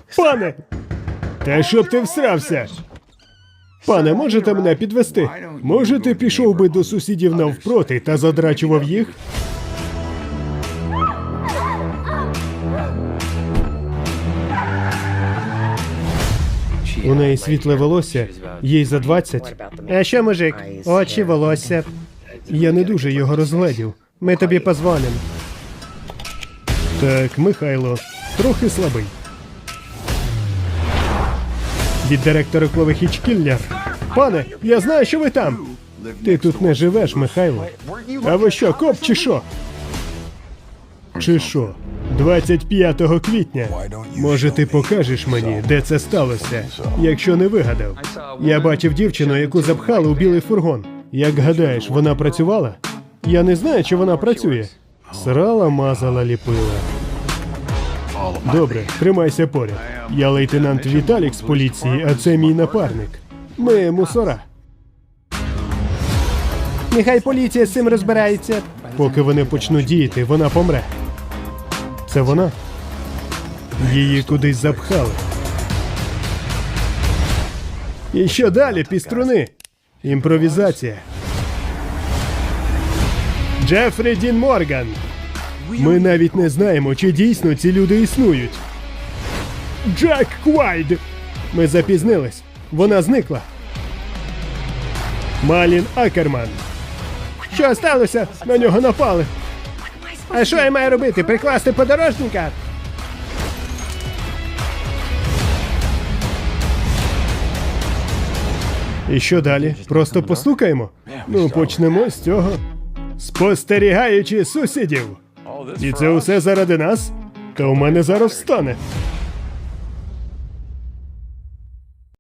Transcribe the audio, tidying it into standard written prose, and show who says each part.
Speaker 1: Пане! Та щоб ти всрався! Пане, можете мене підвести? Може, ти пішов би до сусідів навпроти та задрачував їх? У неї світле волосся, їй за 20. А що, мужик? Очі, волосся. Я не дуже його розгледів. Ми тобі позвонимо. Так, Михайло, трохи слабий. Від директора Кловихіч-Кіллер. Пане, я знаю, що ви там. Ти тут не живеш, Михайло. А ви що, коп чи що? Чи що? 25 квітня. Може, ти покажеш мені, де це сталося, якщо не вигадав? Я бачив дівчину, яку запхали у білий фургон. Як гадаєш, вона працювала? Я не знаю, чи вона працює. Срала, мазала, ліпила. Добре, тримайся поряд. Я лейтенант Віталік з поліції, а це мій напарник. Ми мусора. Нехай поліція з цим розбирається. Поки вони почнуть діяти, вона помре. Це вона? Її кудись запхали. І що далі, піструни? Імпровізація. Джефрі Дін Морган. Ми навіть не знаємо, чи дійсно ці люди існують. Джек Квайд. Ми запізнились. Вона зникла. Малін Акерман. Що сталося? На нього напали. А що я маю робити? Прикласти подорожника? І що далі? Просто постукаємо? Ну, почнемо з цього. Спостерігаючи сусідів. І це усе заради нас? Та у мене зараз встане.